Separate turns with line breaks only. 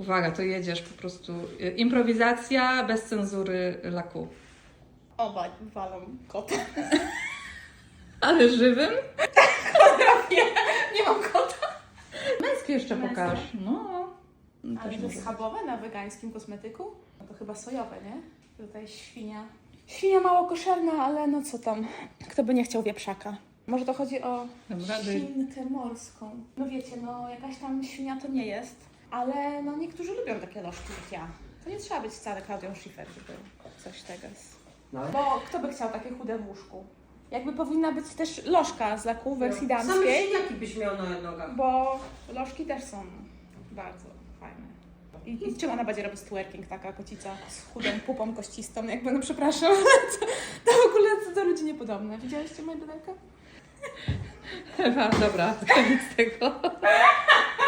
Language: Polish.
Uwaga, to jedziesz po prostu. Improwizacja bez cenzury laku.
Oba walą kota.
Ale żywym?
Nie mam kota.
Męskie jeszcze
Męskie?
pokaż. No.
Ale
Też
to
może
jest
być.
schabowe na wegańskim kosmetyku? No to chyba sojowe, nie? Tutaj świnia. Świnia mało koszerna, ale no co tam. Kto by nie chciał wieprzaka? Może to chodzi o
Dobra,
świnkę morską. No wiecie, no jakaś tam świnia to nie jest, ale no niektórzy lubią takie lożki jak ja. To nie trzeba być wcale Klaudią Schiffer, żeby coś tego jest.
No.
Bo kto by chciał takie chude w łóżku? Jakby powinna być też lożka z laku w wersji
Same
damskiej,
świniaki byś miał na nogach.
bo lożki też są bardzo fajne. I czym ona będzie robić twerking, taka kocica z chudą pupą kościstą, jakby, no przepraszam, to w ogóle do ludzi niepodobne. Widziałyście moje bydelkę?
Ewa, dobra, koniec tego.